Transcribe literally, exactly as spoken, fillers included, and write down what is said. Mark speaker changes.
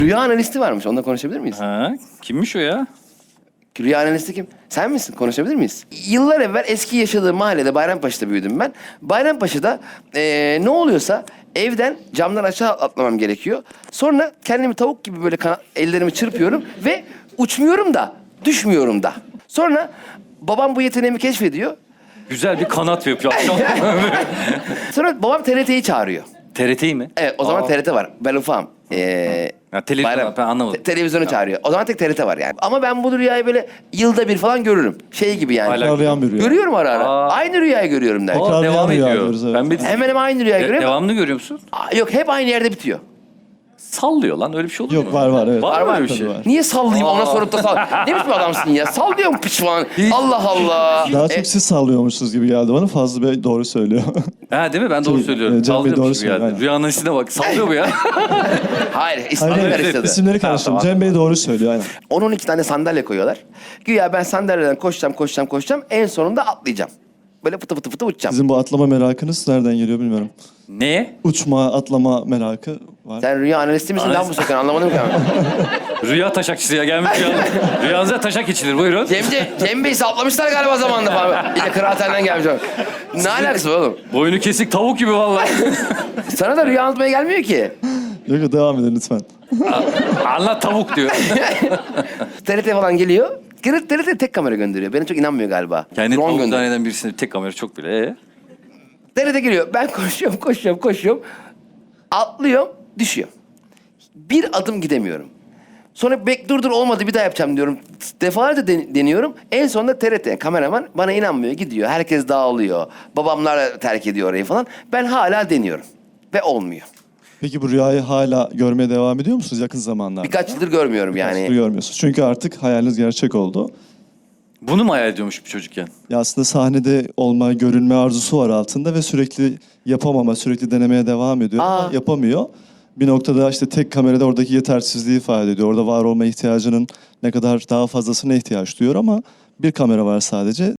Speaker 1: Rüya analisti varmış. Onunla konuşabilir miyiz?
Speaker 2: Ha, kimmiş o ya?
Speaker 1: Rüya analisti kim? Sen misin? Konuşabilir miyiz? Yıllar evvel eski yaşadığım mahallede Bayrampaşa'da büyüdüm ben. Bayrampaşa'da ee, ne oluyorsa evden camdan aşağı atlamam gerekiyor. Sonra kendimi tavuk gibi böyle kana- ellerimi çırpıyorum ve uçmuyorum da düşmüyorum da. Sonra babam bu yeteneğimi keşfediyor.
Speaker 2: Güzel bir kanat yapıyor.
Speaker 1: Sonra babam T R T'yi çağırıyor.
Speaker 2: T R T'yi mi?
Speaker 1: Evet, o zaman
Speaker 2: Aa.
Speaker 1: T R T var. Ben ufağım. Ee,
Speaker 2: Ha, televizyon
Speaker 1: Bayram-
Speaker 2: var, ben anlamadım.
Speaker 1: Te- televizyonu çağırıyor. O zaman tek T R T var yani. Ama ben bu rüyayı böyle yılda bir falan görürüm. Şey gibi yani.
Speaker 2: Hala-
Speaker 3: Tekrarlayan bir rüya.
Speaker 1: Görüyorum ara ara.
Speaker 2: Aa.
Speaker 1: Aynı rüyayı görüyorum der.
Speaker 2: Aa,
Speaker 3: Tekrarlayan
Speaker 2: devam
Speaker 3: rüya
Speaker 2: ediyor.
Speaker 3: diyoruz, evet.
Speaker 2: Ben bir
Speaker 1: Hemen hemen aynı rüyayı
Speaker 2: De-
Speaker 1: görüyorum.
Speaker 2: devamını görüyor musun?
Speaker 1: Aa, yok, hep aynı yerde bitiyor.
Speaker 2: Sallıyor lan, öyle bir şey olur mu?
Speaker 3: Yok, var var evet.
Speaker 2: Var mı
Speaker 1: Var,
Speaker 2: öyle bir
Speaker 3: tabii
Speaker 2: şey?
Speaker 3: var.
Speaker 1: Niye sallayayım ona sorup da sal... Ne biçim adamsın ya? Sal diyorum piç falan. Allah Allah.
Speaker 3: Daha
Speaker 1: E,
Speaker 3: çok siz sallıyormuşsunuz gibi geldi bana. Fazlı Bey doğru söylüyor.
Speaker 2: Ha değil mi? Ben doğru
Speaker 3: Tabii,
Speaker 2: söylüyorum.
Speaker 3: e, Cem Bey
Speaker 2: Sallıyormuş
Speaker 3: doğru
Speaker 2: gibi
Speaker 3: söylüyor,
Speaker 2: geldi.
Speaker 3: aynen.
Speaker 2: Rüya analizine bak. Sallıyor bu ya.
Speaker 1: hayır, ismini
Speaker 3: Hayır,
Speaker 1: karıştırdı.
Speaker 3: isimleri karıştırdım.
Speaker 2: Ha, tamam.
Speaker 3: Cem Bey doğru söylüyor aynen.
Speaker 1: on on iki tane sandalye koyuyorlar. Güya ben sandalyeden koşacağım, koşacağım, koşacağım. En sonunda atlayacağım. Böyle fıtı fıtı fıtı uçacağım.
Speaker 3: Sizin bu atlama merakınız nereden geliyor bilmiyorum.
Speaker 2: Neye?
Speaker 3: Uçma, atlama merakı var.
Speaker 1: Sen rüya analisti misin lan
Speaker 2: Analist-
Speaker 1: bu sakın? Anlamadım ki ben.
Speaker 2: Rüya taşakçısı ya gelmiş rüya. Rüyanıza taşak içilir, buyurun.
Speaker 1: Cemce, Cem Bey saplamışlar galiba zamanında falan. Yine kıraathaneden gelmiş. Ne alakası var oğlum?
Speaker 2: Boynu kesik tavuk gibi vallahi.
Speaker 1: Sana da rüya anlatmaya gelmiyor ki.
Speaker 3: Yok yok, devam edin lütfen.
Speaker 2: Anlat tavuk diyor.
Speaker 1: T R T falan geliyor. T R T tek kamera gönderiyor. Beni çok inanmıyor galiba.
Speaker 2: Kendi
Speaker 1: Drone
Speaker 2: tavuk
Speaker 1: gönderiyor.
Speaker 2: zanneden birisine tek kamera çok bile. Ee?
Speaker 1: T R T geliyor. Ben koşuyorum, koşuyorum, koşuyorum. Atlıyorum, düşüyor. Bir adım gidemiyorum. Sonra bek dur dur olmadı bir daha yapacağım diyorum. Defalarca den- deniyorum. En sonunda T R T kameraman bana inanmıyor, gidiyor. Herkes dağılıyor. Babamlar terk ediyor orayı falan. Ben hala deniyorum. Ve olmuyor.
Speaker 3: Peki bu rüyayı hala görmeye devam ediyor musunuz yakın zamanlarda?
Speaker 1: Birkaç yıldır görmüyorum
Speaker 3: Birkaç
Speaker 1: yani.
Speaker 3: yıldır görmüyorsunuz. Çünkü artık hayaliniz gerçek oldu.
Speaker 2: Bunu mu hayal ediyormuş bir çocukken?
Speaker 3: Ya aslında sahnede olma, görünme arzusu var altında ve sürekli yapamama, sürekli denemeye devam ediyor
Speaker 1: Aa.
Speaker 3: ama yapamıyor. Bir noktada işte tek kamerada oradaki yetersizliği ifade ediyor. Orada var olma ihtiyacının ne kadar daha fazlasına ihtiyaç duyuyor ama bir kamera var sadece.